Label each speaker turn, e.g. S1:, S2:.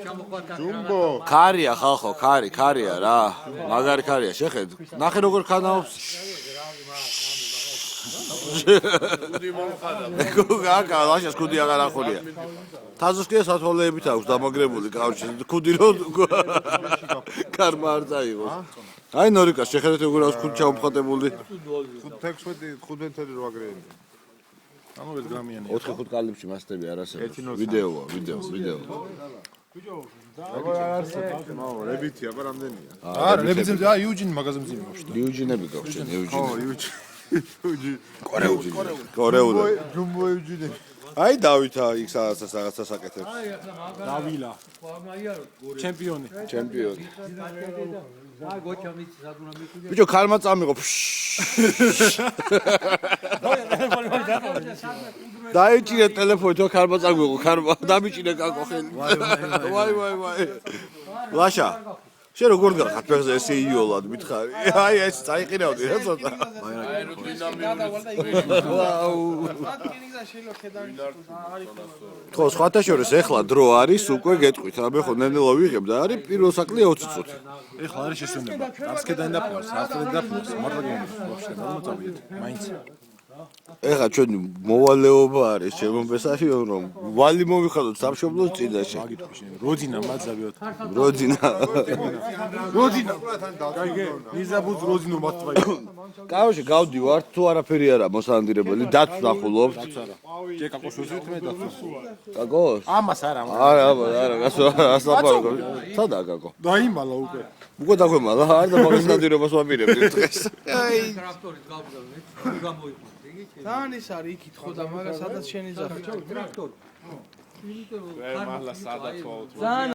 S1: ჯუმბო
S2: ქარია ხალხო, ქარია რა. მაგარი ქარია, შეხედ. ნახე როგორ ქანავს.
S1: კუდი მომხადა.
S2: გაკა, ლაშას კუდი აღარ ახურია. თაზოს კი სათვალეებით აქვს დამაგრებული კავშირი. კუდი რო კარმა არ წაიღოს. აი ნორიკას შეხედეთ როგორ აქვს კუდი ჩამოხატებული.
S1: 15 გრეიმ.
S3: 1 გრამიანი.
S2: 4-5 კალიბში მასტები არ არსებობს. ვიდეოა.
S1: აბა არ არსებობს. რებითი, აბა რამდენია?
S3: არა, რებიძე, იუჯინ მაღაზიაზე მივშდა.
S2: იუჯინები გაქვს, იუჯინები.
S1: კორეული. ჯუმბო იუჯინი.
S2: აი დავითა იქ რაღაცა საკეთებს.
S3: დავილა. ჩემპიონი.
S2: ბიჭო ქალმა წამიღო. დაიჭირე ტელეფონი თუ ქალმა წამიღო, ქალმა დამიჭირე კაკო ხელი. ვაი. ლაშა შენ როგორ გახარ ფეხზე ესე იოლად მითხარი? აი ეს წაიყირავდი რა ცოტა. ხო, სხვათა შორის ეხლა დრო არის, უკვე გეტყვით, აბე ხო ნენელა ვიღებ და არის პირველ საკლია 20 წუთი.
S3: ეხლა არის შესვენება. არცკედან დაფლავს, არცკედან დაფლავს, მართლა გონებს, ვაფშე, გამომწავიეთ. მაინც.
S2: ეხლა ჩვენ მოვალეობა არის შემომბესაშიო რომ ვალი მოვიხადოთ სამშობლოს წინაშე.
S3: როძინა მაძავიოთ.
S2: როძინა.
S3: გაიგე, ნიზაბუც როძინო მართვაი.
S2: კაოში გავდივარ, თუ არაფერი არა მოსანადირებელი, დათვს ნახულობთ.
S3: ჯე კაკოს ვიზვით მე დათვს.
S2: კაკოს?
S3: ამას არა.
S2: არა, გასლაპარაკო. სადაა კაკო?
S3: დაიმალა უკვე.
S2: უკვე დაგვემალა, არ და მაგას ნადირობას ვაპირებდი დღეს. აი.
S4: ტრაქტორით გავგზავნეთ, გამოიყვანეთ.
S5: თან ის არის იქით ხო და მაგას სადაც შენ იძახი
S4: ტრაქტორი. იმიტომ რომ
S1: მართლა სადაც ვაუთ.